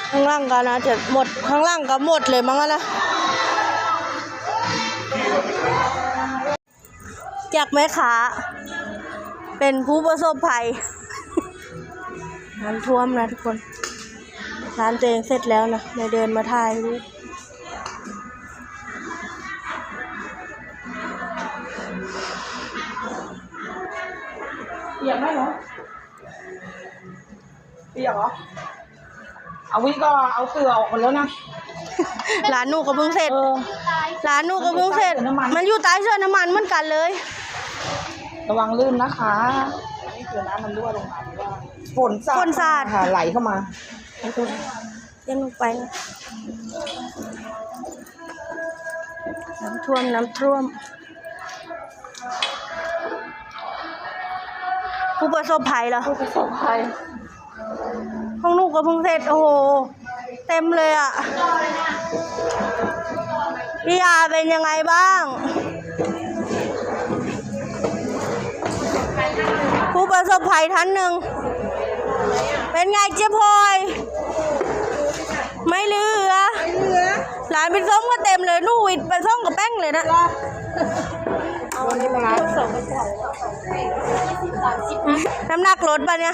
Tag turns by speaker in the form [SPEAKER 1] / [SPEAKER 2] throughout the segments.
[SPEAKER 1] ข้างล่างก็นะจะหมดข้างล่างก็หมดเลยมั้งนะจากแม่ค้าเป็นผู้ประสบภัยน้ำท่วมนะทุกคนร้านตัวเองเสร็จแล้วนะเลยเดินมาถ่ายรูป
[SPEAKER 2] เปียกไหมเหรอเปียกเหรอเอาวิก็เอาเกลือออกหมดแล้วนะ
[SPEAKER 1] ร้านนูก็เพิ่งเสร็จร้านนูก็เพิ่งเสร็จมันอยู่ใต้เสื้อน้ำมันเหมือนกันเลย
[SPEAKER 2] ระวังลื่นนะคะนี่คือน้ำมันรั่วลงมาเพราะว่าฝนสาดค่ะไหลเข้ามา
[SPEAKER 1] ยังลงไปนะน้ำท่วมผู้ประสบภัยเหรอ
[SPEAKER 2] ผู้ประสบภัย
[SPEAKER 1] ห้องนูก็เพิ่งเสร็จโอ้โหเต็มเลยอ่ะพี่อาเป็นยังไงบ้างผู้ประสบภัยท่านหนึ่งเป็นไงเจ๊พลอยไม่เหลือหลานเป็นส้มก็เต็มเลยนู่วิดเป็นส้มกับแป้งเลยนะ
[SPEAKER 2] วันนี้มาล้าง
[SPEAKER 1] น้ำหนักลดป่ะเนี่ย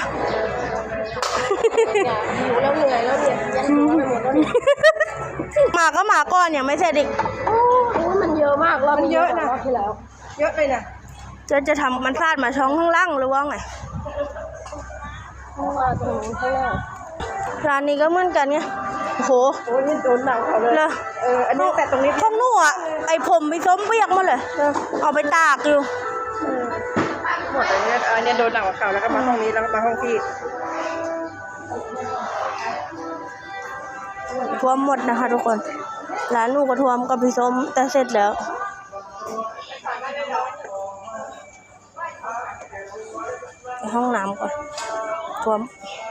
[SPEAKER 2] หิวแล้วเหนื่อยแล้วเนี่ยยันหัวไปหมดแล้ว
[SPEAKER 1] มาก็มาก่อนเนี่ยไม่ใช่เด็ก
[SPEAKER 2] มันเยอะมากเรามันเยอะนะที่แล้วเยอะเลยนะ
[SPEAKER 1] จะทำมันพลาดมาช่องข้างล่างหรือว่าไงร้านนี้ก็เหมือนกันไงโอ้โห
[SPEAKER 2] นี่โดนหนักเขาเลยอันนี้แต่ตรงนี้
[SPEAKER 1] ห้องนู่อ่ะไอผมไปส้มเปียกมาเลยเอาไปตากอยู่
[SPEAKER 2] หมดอันนี้โดนหนักกว่าเขาแล้วก็มาห้องนี้แล้วก็มาห้องพี่
[SPEAKER 1] ท่วมหมดนะคะทุกคนร้านลูกก็ท่วมกับพี่ส้มแต่เสร็จแล้วห้องน้ำก่อนท่วม